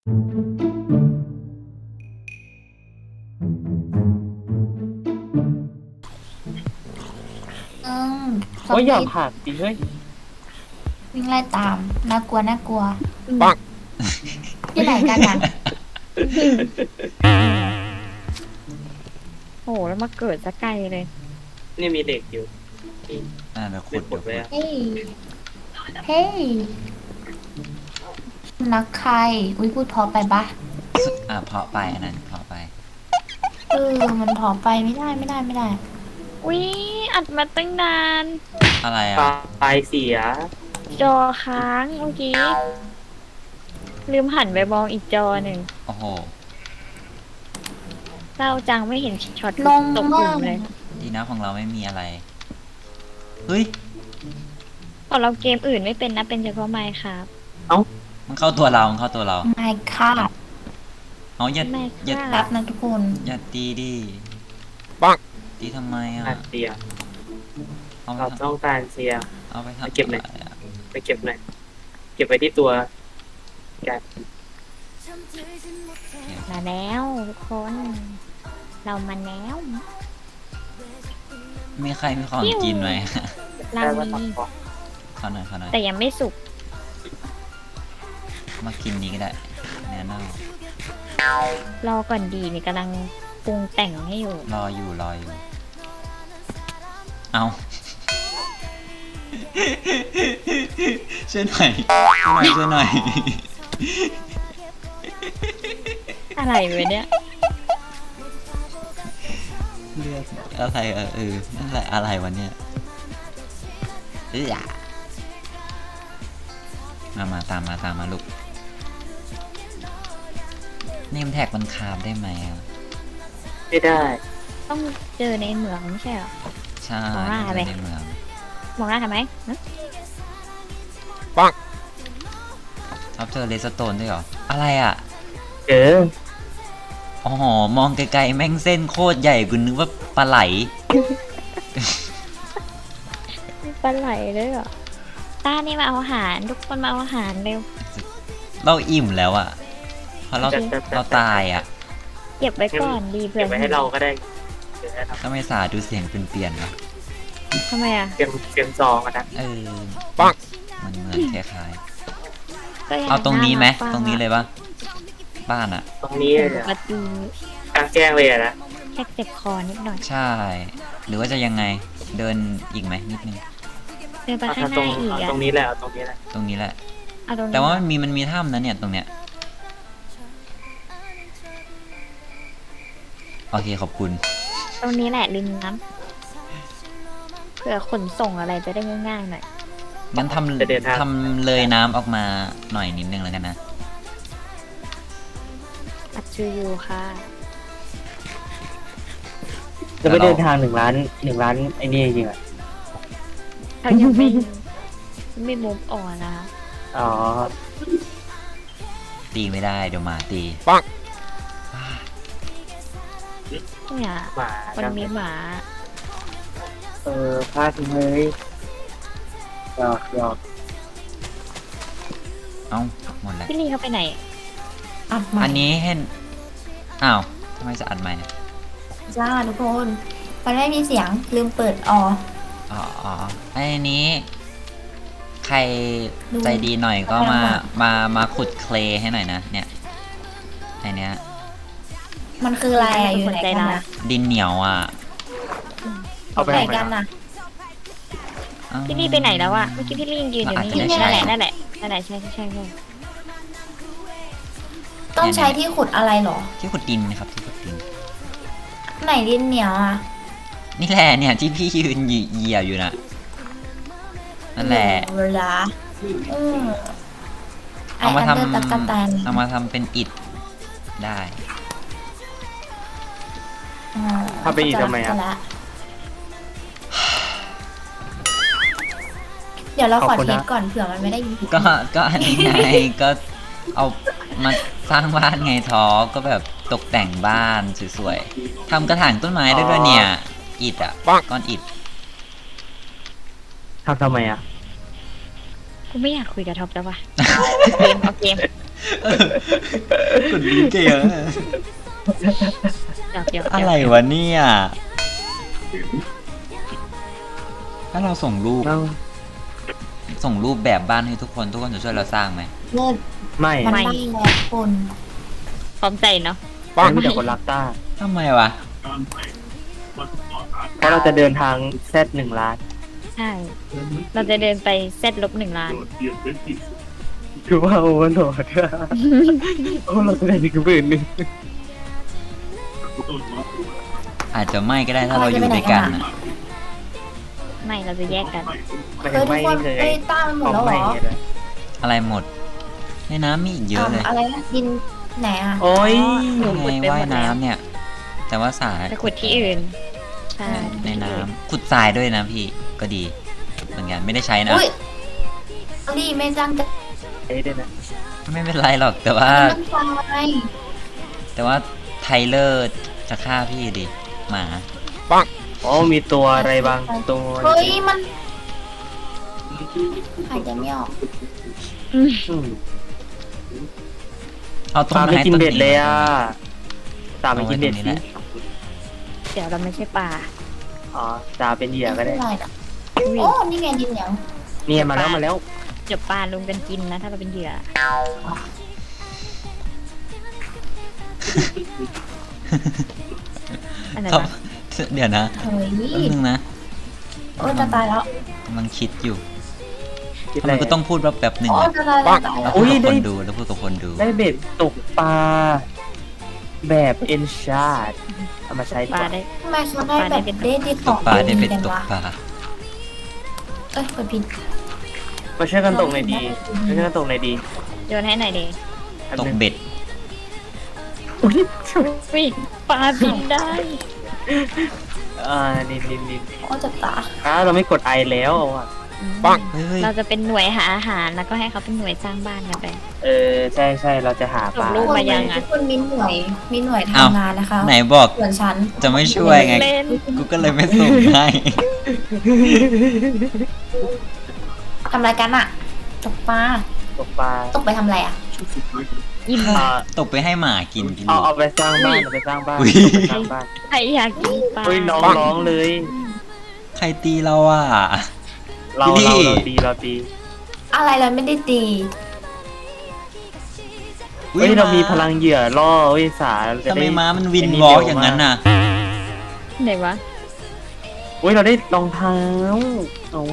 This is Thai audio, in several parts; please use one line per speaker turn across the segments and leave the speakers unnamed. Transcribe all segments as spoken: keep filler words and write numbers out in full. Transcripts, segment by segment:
อืมซอ
โอ้
ม
ยอย่า
บี้
ผ่านดิเฮ้ย
วิ่งไล่ตามน่ากลัวน่ากลัว
ปัง
ที่ไหนกันอ่ะ
โหแล้วมาเกิดซะไกลเลย
นี่มีเด็กอยู่
อ่าเดี๋ยวขุ
เด็
ด
กป
เดี๋
ด
ยว
ไว้
ขุด
อะ
เฮ้ยเฮ้ยนักใครอุ้ยพูดเพอไปปะ
อ่าเพาะไปอันนั้นเพาะไป
เออมันเพอไปไม่ได้ไม่ได้ไม่ได้
อุ๊ยอัดมาตั้งนาน
อะไร
ป
อ่ะ
ลายเสีย
จอค้างเมื่อกี้ ลืมหันไปมองอีกจอหนึ่ง
โอ้โห
เศร้าจังไม่เห็นช็อต
ลง
ตกก
มา
ลุ่
ก
มเลย
ดีนะของเราไม่มีอะไร เฮ้ย
ของเราเกมอื่นไม่เป็นนะเป็นเฉพาะไมค์ครับ
มันเข้าตัวเรามันเข้าตัวเรา
ไม่ค่ะ
เอาอย่า
ไม่
อย่า
ค่ะ
รับนะทุกคน
อย่าตีดิ
ปัง
ตีทำไมอ่ะ
อาเสีย
เอาไป
เรา
ท
ต้องการเสีย
ำเอาไปทำ
เก็บหน่อย
อะไรอะ
ไปเก็บหน่อยเก็บไว้ที่ตัวแก
มาแล้วทุกคน เรามาแล้ว
มีใครมีของกินไหม
เรา
ได้ว่า
มี
ทำของ
ขอหน่อยขอหน่อย
แต่ยังไม่สุก
มากินนี้ก็ได้แน่นอน
รอก่อนดีนี่กำลังปรุงแต่งให้อยู่
รออยู่รออยู่ เอา ช่วยหน่อยช่วยหน่อยช่วยหน่อย
อะไรวะเนี่ย
เลือกอะไรเออเออนั่นแหละอะไรวะเนี่ยเออมามาตามมาตามมาลูกเนมแท็กมันคาบได้ไหมอ่ะ
ไม่ได้
ต้องเจอในเหมืองไม่ใช่เหรอ
ใช่
มองหน้า
มัน
ไป
ในเมือง
มองหน้าทำไมฮะ
ชอบเจอเลสโตนด้วยเหรออะไรอ่ะ
เออ
อ๋อมองไกลๆแม่งเส้นโคตรใหญ่กูนึกว่าปลาไหล
มีปลาไหลด้วยเหรอตานี่มาเอาอาหารทุกคนมาเอาอาหารเร็ว
เราอิ่มแล้วอ่ะเพราะเรา
จัดจัดจัด
เราตายอ่ะ
เก็บไว้ก่อนดีเผื่
เก็
อบ
ไว้ให้เราก็ได้เดี๋ยวให้เรา
ก็ไม่สาดูเสียงเป็นเปลี่ยนๆวะ
ทำไมอ่ะ
เตรียมเตรียมซองกันนะ
เออปังมันเหมือนคล้าย
ก็ยั
ๆเอาตรงนี้ไหม
า
ตรงนี้เลยปะบ้านอ่ะ
ตรงนี้
ป
เลย
ก
อะ
ติ
กลางแจ้งเลยอะนะ
แค่เจ็บคอนิดหน่อย
ใช่ หรือว่าจะยังไงเดินอีกไหมนิดนึง
เดินไป
เอา
ข้างห
ตร
น้าง อีก
เอา
อ่ะ
ตรงนี้แหละเอาตรงนี้แหละ
ตรงนี้แหละ
เอาตรงนี้
แต่ว่ามันมีมันมีถ้ำนะเนี่ยตรงเนี้ยโอเคขอบคุณ
ตรงนี้แหละริมน้ำเผื่อขนส่งอะไรจะได้ง่ายๆหน่อย
งั้นทำทำเลยน้ำออกมาหน่อยนิดนึงแล้วกันนะ
อัดชื่ออยู่ค่ะ
จะไปเดินทางหนึ่งล้านหนึ่งล้านไอ้นี่จริงอ่ะ
เขายังไม่ ไม่มุกอ่อนนะคะ
อ๋อ
ตีไม่ได้เดี๋ยวหมาตี
เนี่ย
หมา
มันมีหมา
เออพลาดเลยหยอกหยอก
เอ้าหมดแล้ว
พี่ลีเขาไปไหน
อัดใหม่
อันนี้เห็นอ้าวทำไมจะอัดใหม่อะ
จ้าทุกคนมันไม่มีเสียงลืมเปิดออ
อ๋ออ๋ออันนี้ ใคร
ดู
ใจดีหน่อยก็มา
เอาไป
มามาขุดเคลย์ให้หน่อยนะเนี่ยไอเนี้ย
มันคืออะไรอะอยู่ไหนกันนะ
ดินเหนียวอ่ะ
เอาไป
ไหน
ทำไม
กัน
อะ
นะ
อ้าว
พี่ลีไปไหนแล้วอะเมื่อกี้พี่ลียังยืนอยู่นี่
อาจจะไม่
นั่นแห
ใช่
ละนั่นแหละนั่นแหละใช่ใช่ใช่ใช่
ต้องใช้ที่ขุดอะไรเหรอ
ที่ขุดดินนะครับที่ขุดดิน
ไหนดินเหนียวอ่ะ
นี่แหละเนี่ยที่พี่ยืนเหยียบอยู่น่ะนั่นแหละ
เวลาอืมไอ
เอามา
อันเดอร์
ทำ
ตะกะแตน
เอามาทำเป็นอิฐได้
อ่า
ทำไปอีกทำไมอะ
เข้าใจละเดี๋ยวเราขอ
ขอบคุณ
เท
นะ
สก่อนเผื่อมันไม่ได้ยินผิด
ก็ก็อันนี้ไง ก็เอามาสร้างบ้านไงทอก็แบบตกแต่งบ้านสวยๆทำกระถางต้นไม้ได้ด้วยเนี่ยอิฐอ่ะก้อนอิฐ
ทำทำไมอ่ะ
กูไม่อยากคุยกับท็อปแล้วว่ะเกมเอาเกม
กดลิ้นเก่งอะ
หยอกหยอกหยอก
อะไรวะเนี่ย ถ้าเราส่งรูป
เรา
ส่งรูปแบบบ้านให้ทุกคนทุกคนจะช่วยเราสร้างไหม
เลิศ
ไม่
มันได้แล้วคน
พร้อมใจเนาะ
ไม่มีแต่คนรักต้า
ทำไมวะ
เพราะเราจะเดินทางแซดหนึ่งล้าน
ใช่ เราจะเดินไปเซตลบหนึ่งล้าน
คือว่าโอเวอร์โหลดโอ้เราจะได้หนึ่งหมื่นหนึ่ง
อาจจะไม่ก็ได้ถ้าเราอยู่ด้วยกันนะ
ไม่เราจะแยกกัน
ไม่
เออทุ
ไม่
กคน
เคย
เอ้ยต้ามันหมดแล้วเหรอ
ไม่เลย
อะไรหมด ในน้ำมีอีกเยอะเลย
อะไรนะดินไหนอ่ะ
โอ้ย
หนู
ไง
ขุดไปห
ว่าม ย
ดแล้ว
น้ำเนี่ย แต่ว่าสาย
ไปขุดที่อื่น ใช่
ในน้ำขุดทรายด้วยนะพี่ก็ดี เหมือนกันไม่ได้ใช้นะ
อุ้ยเอาดิไม่จังจะ
เอ้ยด้วยนะ
ไม่เป็นไรหรอกแต่ว่า
น้ำตาล
แต่ว่าไทเลอร์จะฆ่าพี่ดิหมา
อ๋อมีตัวอะไรบางตัว
เฮ้ยมันหายใจไม่ออก
อืม
เอาต้น
ตาม
ไม้
ไม่กิน
ต้น
เบ็ด
นี้
เลยอ่ะตาม
เอา
ไม่
ไว้
กิน
ตร
เบ็ด
งนี้
สิ
แหละ
เดี๋ยวเราไม่ใช่ป่า
อ๋อตาเป็นเหยื่อก็ได้
ไม่เป็นไรหรอก
อุ้ย
โอ้นี่ไงดินเหนียว
เนี่ยมาแล้วมาแล้ว
เดี๋ยวปลาลุมกันกินนะ ถ้าเราเป็นเหยื่อ อันนั้น
ครับ
นะ
เดี๋ยวนะ
เฮ้ย
แป๊บนึงนะ
โอ้จะตายแล้ว
กำลังคิดอยู่
คิด
ทำ
อะไร
ไมก็ต้องพูดว่าแป๊บหนึ่ง
โอ้
อะ
จะตายแล้วตาย
แล้
แล้ว ว
พูดกับ
ได้
คนดูแล้วพูดกับคนดู
ได้เบ็ดตกปลาแบบเอ็นชาร์ดเอามาใช้ดี
ป
ก
ลา
ว่า
ได้
ทำไมเขาได้แบบเด็ดดีข
ต
อก ง
ปลาได้
ดี
เป็น
กัน
ตก
วะ
ปลา
เอ้ยกดผิด
มาช่วยกันตกหน่อยดีมาช่วยกันตกหน่อยดี
โยนให้หน่อยดิ
อัน
ต
ห
ก
นึ่ง
เบ็ด
อุ๊ย
อุ้ยปลาบินได้
อ่านินนินนิน
โอ้จะตาย
อ่าเราไม่กดไอแล้วอ่ะ
เฮ้ยเฮ้ย
เราจะเป็นหน่วยหาอาหารแล้วก็ให้เขาเป็นหน่วยสร้างบ้านกันไป
เออใช่ใช่เราจะหาปลา
ส่งรูป มายังอะ
ทุกคนมีหน่วยมีหน่วย
เอ้า
ทำงานนะคะ
ไหนบอก
ส่วนฉัน
จะไม่ช่วยไง
เล่น
กูก็เลยไม่ส่งให้
ทำอะไรกันอะตกปลา
ตกปลา
ตกไปทำอะไรอะ
อิ่ม
อ่า
ตกไปให้หมากินกิน
เอา
ลูก
เอาไปสร้างบ้านเอาไปสร้างบ้าน
อุ๊ย
เอาไปสร้างบ้าน
ใครอยากกินปลา
เฮ้ยน้องร้องเลย
ใครตีเราอ่ะ
เรา
พี่
เราเราตีเราตี
อะไรเราไม่ได้ตี
เฮ้ยเรามีพลังเหยื่อล่อเฮ้ยสาเราจะ
ทำไม
ได้
ม้ามันวิน
ไ
วอล์กอย่างนั้นน่ะ
ไหนวะ
เฮ้ยเราได้รองเท้าเอา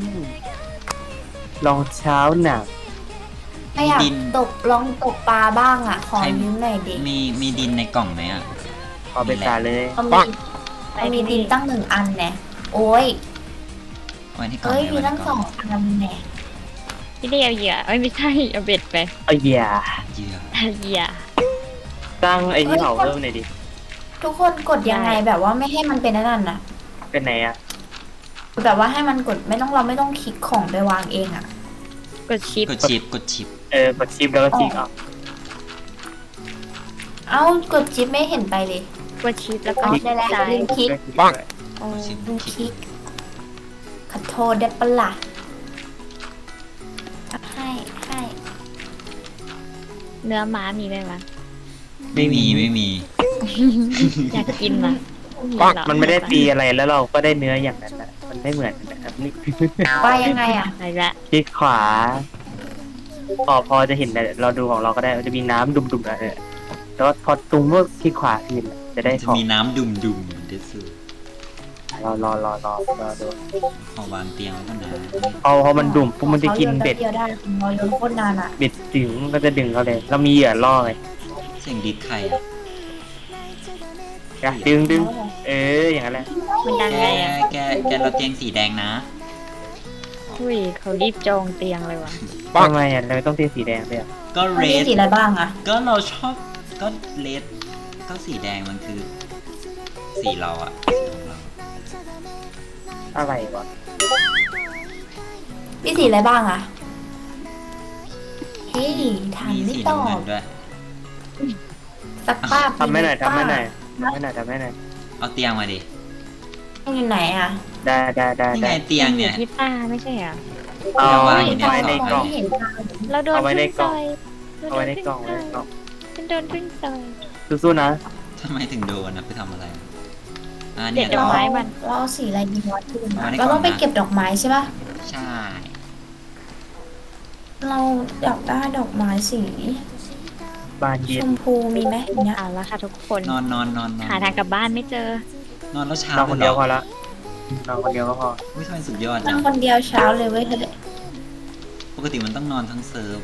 รองเท้าหนัก
ไม่อยาก
ดิน
ตกลองตกปลาบ้างอ่ะ ขอ
ใคร
ยืมหน่อยดิ
มีมีดินในกล่องไหมอ่ะ
เอาไปสาเลย
เขามีเขามีดินตั้งหนึ่งอันแน่โอ้ย
ไว้ที่กล่อง
เอ้ย
ไหน
มี
ไว้ใน
ตั้ง
ก
ส
ล่
อ
อง
งอันแน่
พี่ได้เอาเหยื่อเอ้ยไม่ใช่เอาเบ็ดไป
เอาเหยื่อ
เหยื่อ
เอาเหยื่อ
ตั้งไอ้นี่เผาเพิ่มหน่อยดิ
ทุกคนกดยังไง
ได้
แบบว่าไม่ให้มันเป็นอันนั่นน่ะ
เป็นไหนอ่ะ
แบบว่าให้มันกดไม่ต้องเราไม่ต้องคลิกของไปวางเองอ่ะ
กดชิป
กดชิปกดชิป
เออกดชิปแล้วก็คลิกเอา
เอ้ากดจิ๊บไม่เห็นไปเลย
กดชิปแล้วก็
อ๋อได้แล้ว
ซ้าย
ลืมคลิก
โอ้
กดชิป
ดูคลิกขอโทษได้ปะล่ะอ่ะให้ให้
เนื้อม้ามีไหมวะ
ไม่มีไม่มี
อยากกินนะ
มันไม่ได้ตีอะไรแล้วเราก็ได้เนื้ออย่างนั้นนะมันไม่เหมือนกันนะครับนี่
ไปยังไงอ่ะ
อะไรละ
คลิกขวาพอพอจะเห็นแต่เราดูของเราก็ได้มันจะมีน้ำดุมๆนะเออแต่ว่าพอตรงเมื่อคลิกขวาทีจะได้
จะ
ของ
มีน้ำดุมดุมเดซู
รอรอรอรอรอดู
ขอวางเตียงแล้วก็นะ
พอพอมันดุ่มปุ๊บมันจะกินเบ็ด
ขาโยนแป๊บเดียวได้ของเราโยนโคตรนานอ่ะ
เบ็ดดึงมันก็จะดึงเขาเลยเรามีเหยื่อล่อไง
เสียงดิดใครอ่ะ
อ่ะดึงดึงเอออย่างนั้นแหละ
มันดัง
แก
ไงอ่ะ
แกแกเราเตียงสีแดงนะ
อุ้ยเขารีบจองเตียงเลยว่ะ
ทำไมอ่ะเราต้องตีสีแดงด้วยอ่ะ
ก็เร
มี
ด
สีอะไรบ้างอ่ะ
ก็เราชอบก็เรดก็สีแดงมันคือ สีเราอ่ะสีของเรา
อะไรวะ
มีสีอะไรบ้างอ่ะ เฮ้ยถาม
มี
ไม่
สี
ตอ
น้ำเงิ
บ
นด้วย
สักป้า
ทำให้หน่อยทำให้หน่อยทำให้หน่อยทำให้หน่อย
เอาเตียงมาดิ
อยู่ไหนอ่ะ
ได้ได้ได้
นี่ไง
ได้
เตียงเนี่ย
ที่ป้าไม่ใช่เหรอ
เอา
เอาไว้
ไว้ในกล่อง
ไม่เห็นทาง
เราโดน
เอาไว้ใน
พึ่ง
กล่
ต่
อง
อย
เอาไว้ในกล่องไว้ในกล่อง
ฉันโดนพึ่งต่อย
สู้ๆนะ
ทำไมถึงโดนนะไปทำอะไรอ่า
เด็
เนี่ย
ดดอกไม้มัน
เราเอาสีอะไรดีวะทุน
เอาไว้ใน
เราต้อง
กล่องนะ
ไปเก็บดอกไม้ใช่ปะ
ใช่
เราอยากได้ดอกไม้สี
บานเย็
ช
น
มพูมีไหมอย่างเงี้ย
เอาละค่ะทุกคน
นอนนอนนอนนอน
หาทางกลับบ้านไม่เจอ
นอนแล้วเช้าน
อนคน
เล
เดี
ย
ยว
เห
พ
ร
อ
อ
ละนอนคนเดียวก็พอ
อุ้ยทำไมสุดยอด
น
จั
อง นคนเดียวเช้าเลยเว้ยเธอ
ปกติมันต้องนอนทั้งเซิร์ฟ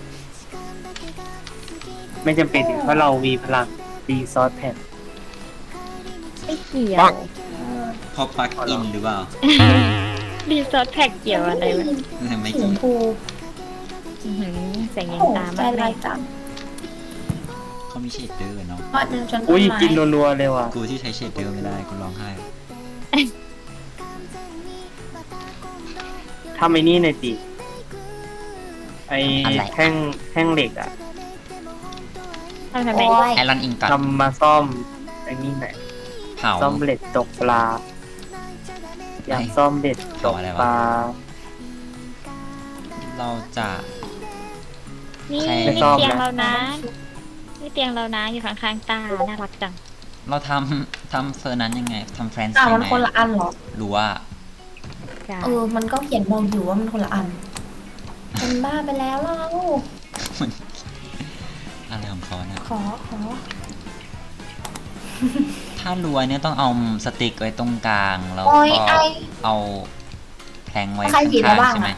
ไม่จำเป็นเพราะเรามีพลังดีซอสแผ่น
ไม่เกี่ยว
พอปลักอินหรือเปล่า
ดีซอสแพ็กเกี่ยวอะไรวะ
ไม่
สีช
กี่
มพู
อื้อหือแสงยัง
โอ้
ตาม
ใจ
มากเล
ลาย
ย
จัง
เขามีเชดเดอร์เนาะ
เพราะเดินจนต้
อุ้
น
ย
ไม้
กินรัวๆเลยว่ะ
กูที่ใช้เชดเดอร์ไม่ได้กูร้องไห้
ทำไอ้นี่หน่อยสิไอ้แท่งแท่งเหล็กอ่ะ
ทำทำไม
โอ้ย
ไอรอนอิงตัด
ทำมาซ่อมไอ้นี่หน่อย
เผา
ซ่อมเบ็ดตกปลา อยากซ่อมเบ็ดตกปลา
เราจะ
นี่
ใคร
ไม่
นี่
ชอบ
เตียง
นะ
เรานะนี่เตียงเรานะอยู่ข้างๆตา น่ารักจัง
เราทำทำเฟอร์นั้นยังไงทำแฟรนซ์
อ่ะ
ยัง
มัน
ไง
คนละอันเหรอ
รู้ว่า
ใช่
เออ มันก็เขียนบอกอยู่ว่ามันคนละอันเป็นบ้าไปแล้วเรา
อะไรของเขาเนี่ย
ขอขอ
ถ้ารวยเนี่ยต้องเอาสติ๊กไว้ตรงกลางแล้ว
โอ้ย
ก็
ไอ
เอาแพลงไว้
ใคร
ข้าง
ผิดแล้วบ้าง
ๆใช่ไหม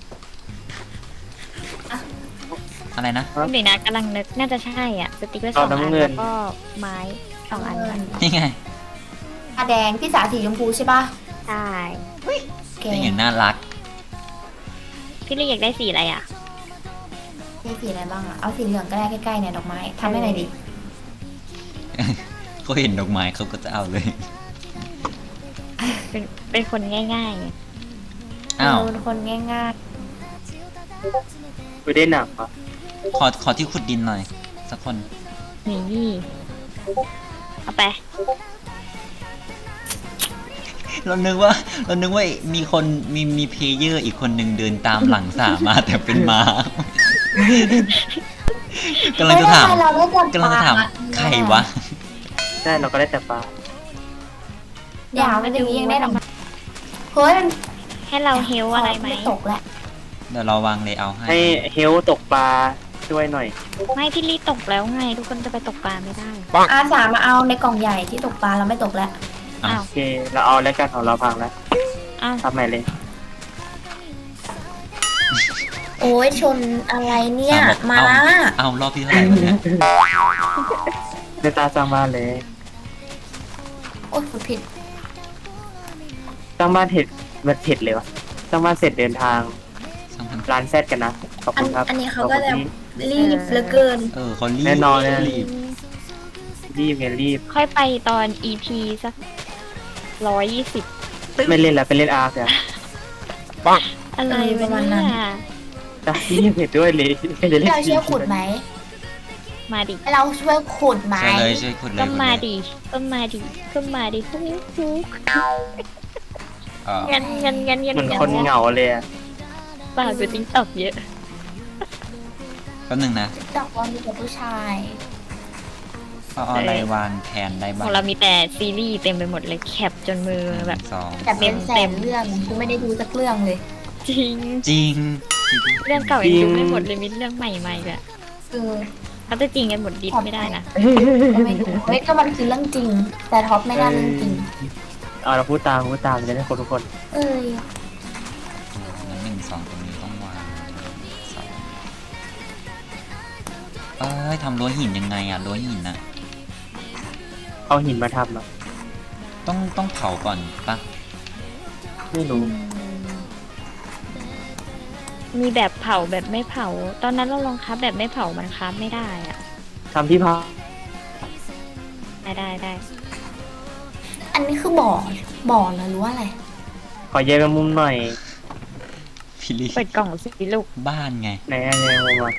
อะ
อะไรนะ
ครับ
เดี๋ยวนะกำลังนึกน่าจะใช่อ่ะ สติ๊กเกอร์ส
เอา
องอัน
น้ำเงิน
แล้วก็ไม้สองอันค่ะ
นี่ไง
ตาแดงพี่สาสีชมพูใช่ปะ
ใช่
แก
นี่ไงน่ารัก
พี่ลี่อยากได้สีอะไรอ่ะ
มีสีอะไรบ้างอะเอาสีเหลืองก็ได้ใกล้ๆเนี่ยดอกไม้ทำให้หน่อยดิ
เขาเห็นดอกไม้เขาก็จะเอาเลย
เป็นเป็นคนง่ายๆไง
อ้าว
เเป็นคนง่าย
ไปได้หนักอ่ะ
ขอขอที่ขุดดินหน่อย สักคน
นี่เอาไป
เรานึกว่า เรานึกว่ามีคนมีมีเพลเยอร์อีกคนหนึ่งเดินตามหลังสามาแต่เป็นม้า
ๆ
กำลังจะถาม
เฮ้ยทำไเราได้จับ
กำลังจะถาม
ปล
ใครวะ
ใช่เราก็ได้แต่ปลา
อย่ามันอย่างนี้ยังได้ดอกไม้เฮ้ยมัน
ให้เราเฮลอะไรไหม
ตกแล้ว
เดี๋ยวเราวางเลเยอร์ให้
ให้เฮลตกปลาช่วยหน่อย
ไม่พี่ลี่ตกแล้วไง ทุกคนจะไปตกปลาไม่ได้
อาสามาเอาในกล่องใหญ่ที่ตกปลาเราไม่ตกแล้ว
อ้าว
โอเค เราเอาแล้วกันของเราพังแล้ว
อ้าว
ทำใหม่เลย
โอ้ยชนอะไรเนี่ย
อ่ะบอก
มา
เอาเอารอบที่เท่าไหร่วะเนี่ย
ในตาสร้างบ้านเลย
โอ้ยพูดผิด
สร้างบ้านเห็ดมันเห็ดเลยวะสร้างบ้านเสร็จเดินทาง
สองพัน
ร้านแซดกันนะ ขอบ
อั
คุ
น
ณครับ
อันนี้เขา
ขอบ
ก็
คุณ
จะ
ที่
รีบเหลือเกิน
เออเขารีบ
แน่นอนนะ
รีบ
รีบไงรีบ
ค่อยไปตอน อี พี สักร้อยยี่สิบ
ไม่เล่นแล้วไปเล่นอาร์คอะ
อะไร
เออประมาณนั้น
เนี่ย
แต่ที่ยังเห็นด้วยเลยใครจะเล่น
เราช่วยขุดไหม
มาดิ
ให้เราช่วยขุดไหม
ใช่เลยช่วยขุดเลย
ก็
ขุด
มา
เลย
ดิก็มาดิก็มาดิทุกทุก
เออ
เงินเงินเงินเงิน
เหมือนคนเหงาเลยอะ
เปล่าดูติ๊กตอกเยอะ
แป๊บนึงนะ
ดอกบอลมีแต่ผู้ชาย
เอาเอาอะไรวางแทนได้
ข
บ้า
อง งเรามีแต่ซีรีส์เต็มไปหมดเลยแคปจนมือ
หนึ่ง
แบบ
สอง
แต่เป็นแส
เต็
น
ม
เรื่องคือไม่ได้ดูสักเรื่องเลย
จริง
จริง
เรื่องเก่ายังดูไม่หมดเลยมีเรื่องใหม่ๆเลย
เออ
เขาจะจริงกันหมดดิสไม่ได้นะ
ก็ไม่ดูเฮ้ยก็มันคือเรื่องจริง แต่ท็อปไม่น่าเรื่องจริง
เอาเราพูดตามพูดตามจะได้คนทุกคน
เออ
งั้นหนึ่งสองตรงนี้ต้องวางสองเอ้ยทำรั้วหินยังไงอะรั้วหินอะ
เอาหินมาทำอะ
ต้องต้องเผาก่อนปะ
ไม่รู้
มีแบบเผาแบบไม่เผา ตอนนั้นเราลองคับแบบไม่เผามันคับไม่ได้อะ
ทำที่พัก
ได้ได้ได้
อันนี้คือบ่อ บ่อเหรอหรือว่าอะไร
ขอแยกเป็นมุมหน่อย
พี่ลี่
เปิดกล่องสิลูก
บ้านไง
ไหนอะแยกมุมมา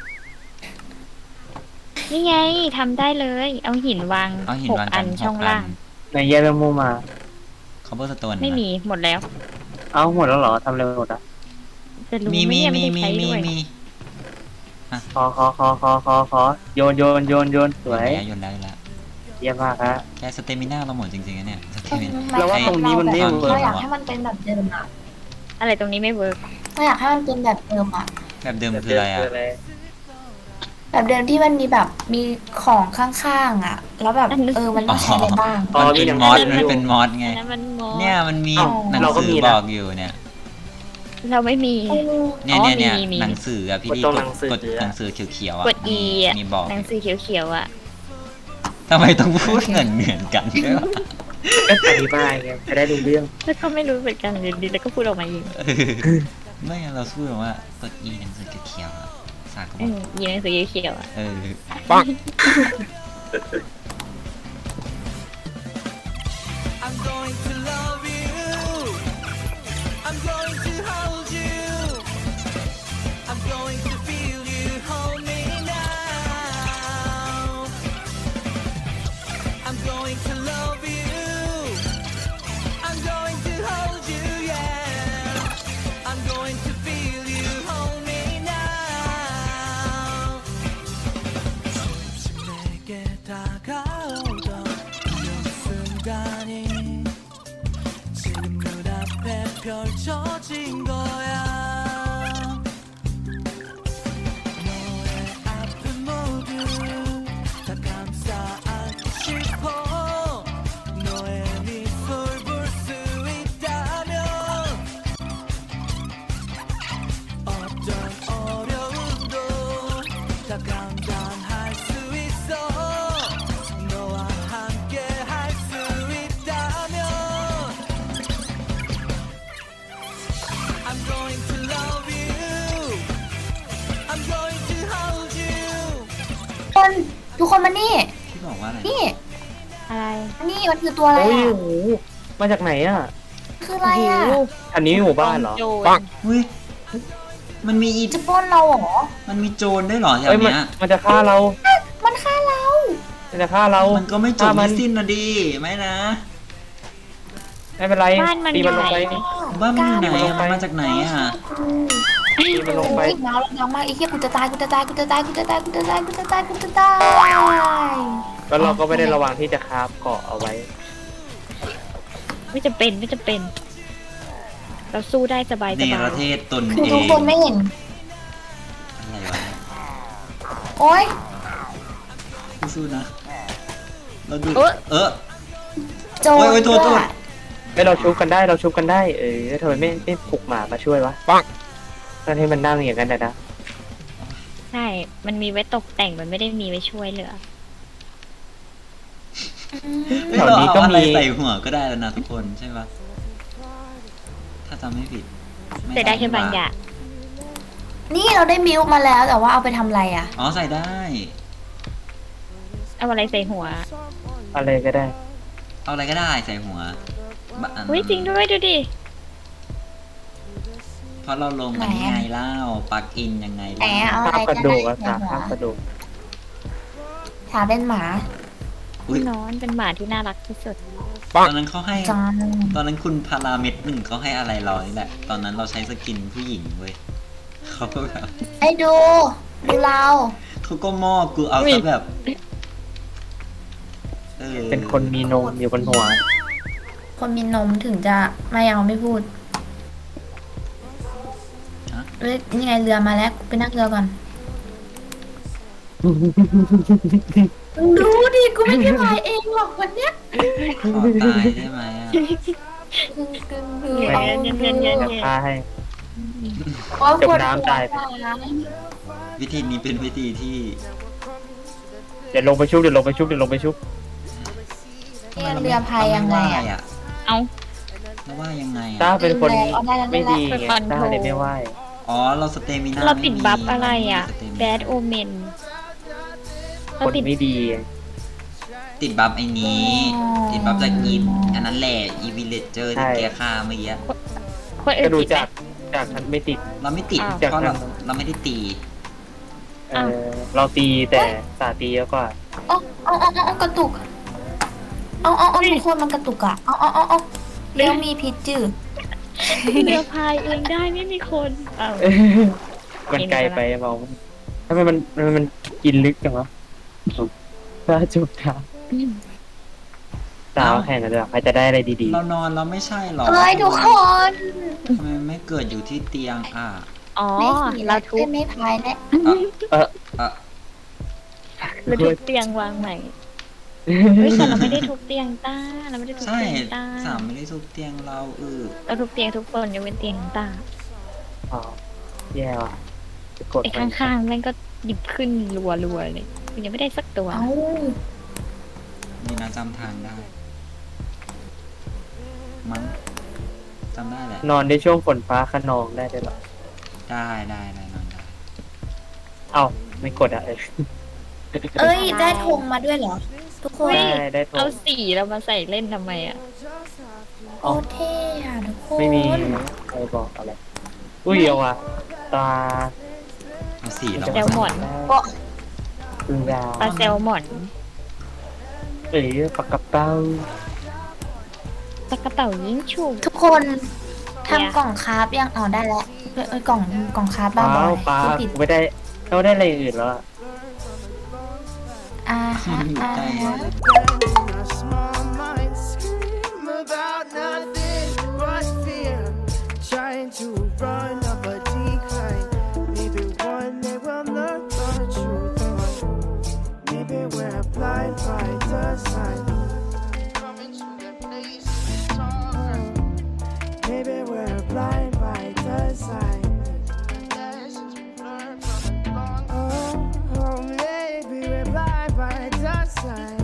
นี่ไงทำได้เลย เอาหินวาง
เอาหิน
หก
วาง
อั
กัน
นช่องล่าง
ไหนแยกเป็นมุมมา
เขาเบอร์สโตน
ไม่มีหมดแล้ว
เอาหมดแล้วเหรอทำเร็วหมดอ่ะ
จะรู้
มี
ไหม
มี
เนี่ยไม่
มี
ได้
มี
ใช้
มี
ด้วย
มี
ขอขอขอขอขอขอโยนโยนโยนโยนสวย
โยนแล้วโยนแล้ว
เยี่ยมมากฮะ
แค่สเตมิน่าเราหมดจริงๆนะเนี่ยสเตมิน่า
เราว่าตรงนี้มันไม่
เรา
เวิร์ก
อยากให้มันเป็นแบบเดิมอะ
อะไรตรงนี้ไม่เวิร์ก
เราอยากให้มันเป็นแบบเดิมอะ
แบบเดิมคืออะไรอ่ะ
แบบเดิมที่มันมีแบบมีของข้างๆอะแล้วแบบเออมันต้องใช้อะไรบ้าง
อ๋อ
มัน
มี
เป็น
หนัง
มอส
สือ
มันเป็นมอสไง
อันนั้นมันงอ
เนี่ยมันมี
อ๋อ
หนัง
เราก็
สื
มี
อ
นะ
บอกอยู่เนี่ย
เราไม่มี
เนี่ย
อ๋อ
เนี่ยเนี่ย
มีมี
หนังสืออ่ะพี่
กด
ดี
ตรง
ก
ห
ด
นังสือก
ดหนังสือเขียวๆอ่ะ
กด E อ่ะ
มีบอก
หนังสือเขียวๆอ่ะ
ทำไมต้องพูดเหมือนเหมือนกันด้วยวะ
ก็อธิบายไงจะได้รู้เรื่อง
แล้วก็ไม่รู้เหมือนกันอยู่ดีแล้วก็พูดออกมาเอง
ไม่งั้นเราพูดแบบว่ากด E หนังสือเขียวๆอ่ะสากก็บ
อื
อก
มยีหนังสือเขียวๆอ่ะ
เออ
I'm going to love you. I'm going to hold you. I'm going to feel you hold me now. I'm going to love you. I'm going to hold you, yeah. I'm going to feel you hold me now. 조금씩 내게 다가오던 이런 순간이 지금 눈앞에 펼쳐진 거야. 너의 아픔 모두 다 감싸 안고 싶어. 너의 미소 볼 수 있다면 어떤 어려움도 다 감당할 수 있어. 너와 함께 할 수 있다면 I'm going to love you. I'm going to hold you.
คนทุกคนมานี่
ที่บอกว่าอะไร
นี่
อะไร
นี่มันคือตัวอะไร
โอ้ย
อะ
โอ้โหมาจากไหนอ่ะ
คืออะไรอะ
อันนี้หมู่บ้านเหรอ
โจร
ปัง
เฮ้ยมันมีอี
จะปล้นเราเหรอ
มันมีโจรด้วยเหรอแถ
เอ้ยว มัน
เนี้ย
มันจะฆ่าเรา
มันฆ่าเรา
มันจะฆ่าเรา
มันก็ไม่จบ
ฆ่ามั
ไม่
น
สิ้นนะดีไหมนะ
ไม่เป็นไร
บ้านมัน
ตีมันลงไป
ใหญ่
บ้านมันอยู่ไหน
ลง
อะ
ไป
มันมาจากไหนอ่ะ
ตีมันลงไป
โอ้ยเมาแล้วดังมากไอ้เหี้ยกูจะตายกูจะตายกูจะตายกูจะตายกูจะตายกูจะตายกูจะตาย
แล้วเราก็ไม่ได้ระวังที่จะคราฟเกาะเอาไว้
ไม่จะเป็นไม่จะเป็น เราสู้ได้สบายส
เน
บาร ย
เทศตน
คือ
เอ
ทุก
ง
คนไม่เห็น
อะไรวะ
โอ๊ย
สู้ๆนะเราดู
เอ้ย
เออ
โจร
โอ้ยโอ้ยโทษโทษ
ด้วย
ไม่เราชุบกันได้เราชุบกันได้ เออทำไมไม่ไม่ปลุกหมามาช่วยวะปังนั่นให้มันนั่งอย่างนั้นนะนะ
ใช่ มันมีไว้ตกแต่งมันไม่ได้มีไว้ช่วยเหลือ
เฮ้ยเราเอาอะไรใส่หัวก็ได้แล้วนะทุกคนใช่ปะถ้าจำไม่ผิดม่
แต่ได้แค่บางอย่าง
นี่เราได้มิลค์มาแล้วแต่ว่าเอาไปทำอะไรอะ
อ๋อใส่ได้
เอาอะไรใส่หัว
อะไรก็ได้
เอาอะไรก็ได้ใส่หัวบะอัน
อุ้ยจริงด้วยดูดิ
เพราะเราลงอันนี้ไงเล่าปลักอินยังไง
แหม
เล่า
เอาอะ
คา
ไร
บกระ
ก็
ดู
ได้
กอะ
ใน
ค่ะ
หัว
คาบกระดูก
ถามเป็นหมา
อุ้ย
นอนเป็นหมาที่น่ารักที่สุด
ตอนนั้นเขาให้
จอน
ตอนนั้นคุณพาราเม็ดหนึ่งเขาให้อะไรเรานี่แหละ ตอนนั้นเราใช้สกินผู้หญิงเว้ยเขาก็แบบ
ไอ้ดูดูเรา
เขาก็มอบกูเอา
อุ้ย
ซะแบบออ
เป็นคนมีนมอยู่บนหัว
คนมีนมถึงจะไม่เอาไม่พูด
ฮะ
เอ้ยนี่ไงเรือมาแล้วกูไปนั่งเรือก่อนมึงดูดิกูไม่ได้พายเองหรอกวันเนี้ย
ขอตายได้ไหมอ่ะ
กึ่งกึ่งดู
เย็น
เอา
เย็นเย็นเย็น
จะฆ่าให้
โอ๊ย
จมน้ำตาย
ปวดหัว
วิธีนี้เป็นวิธีที่
เดี๋ยวลงไปชุบเดี๋ยวลงไปชุบเดี๋ยวลงไปชุบ
เนี่ยเรือพายยังไง
เราม่
อะ
อ่ะ
เอา
แล้วว่ายังไง
ต้า
อ่ะ
เป็นคน
เอาได้แล้วได้
ไม่
แล้ว
ดีไงต้าเลยไม่ไหว
อ๋อเราสเตมินา
เราติด
ม่มี
บัฟอะไรอ่ะ
สเตมินา
bad omen
ค
เรา
น
ติด
ไม่ดีไง
ติดบัฟไอ้นี้ ติดบัฟจากอินอันนั้นแหละอีวิลเลจเจอร์ที่แกฆ่าเมื่อกี้
คนอื่
ก็
น
ดู
ติดไหม
จากจากฉันไม่ติด
เราไม่ติด
อ้าว
เพราะเราเราไม่ได้ตี
เออเราตีแต่สาตีเยอะกว่า
เอาเอาเอาเอาเอากระตุก เอาเอาเอาทุกคนมันกระตุกอะเอาเอาเอาเอาเรือมีพิษจืด
เรือพายเองได้ไม่มีคนเอา
มันไกลไปมองทำไมมันทำไมมันกินลึกจังวะถ้าจุบดาวดาวแข่งกันเลยใครจะได้อะไรดี
เรานอนเราไม่ใช่หรอ
เอ้ยทุกคน
ทำไมไม่เกิดอยู่ที่เตียงอ่ะ
อ๋อ
ไม่ผี
เรา
เรา
ทุ
ทุ
บบ
ไม่พายแล้ว
ๆ เออ
เอ่ะ
เราทุบเตียงวางใหม่เฮ้ยแต่เราไม่ได้ทุบเตียงต้าเราไม่ได้ทุบ
ใช่
เตียงต้า
สามไม่ได้ทุบเตียงเราเออ
เราทุบเตียงทุกคนยกเว้นเตียงต้า
อ๋อแย่ว่ะจะกด
ไอ้ข้างๆแม่งก็หยิบขึ้นรัวๆเลยมันยังไม่ได้สักตัว
เอ้า
นี่นะจำทางได้ มั้งจำได้แหละ
นอนในช่วงฝนฟ้าขนองได้ด้วยเหรอ
ได้ได้ได้นอนได้
เอ้าไม่กดอ่ะเออ
เอ้ยได้ธงมาด้วยเหรอ ทุกคน
ได้ได้โทร
เอาสีเรามาใส่เล่นทำไมอ่ะ
โอ้เท่อะทุกคน
ไม่มีใครบอกอะไร อุ้ยเอาว่ะตา
เอาสีเรา
แซลมอน
ตึงดาว
ปลาแซลมอน
เอ้ยปากกระเป้า
ปลากระเป๋ายิงฉุก
ทุกคนทำกล่องคราฟยังอ๋อได้แล้วเอ้ยเอ้ยกล่องกล่องคราฟ
เป
บ้า
ล่า
บอ
เปล่า
พูดผิด
กูไม่ได้เราได้อะไรอื่นแล้วอะ
อ่าฮะ
อยู่
อ่า
ใกล้
ฮะ
Our small minds scream about nothing but fear. Trying to run up a decline. Maybe one day we'll learn the truth. But maybe we're blind by design. Coming to the place we talk. Maybe we're blind by design. Lessons we learned from a long. Oh, oh, maybe we're blind by design.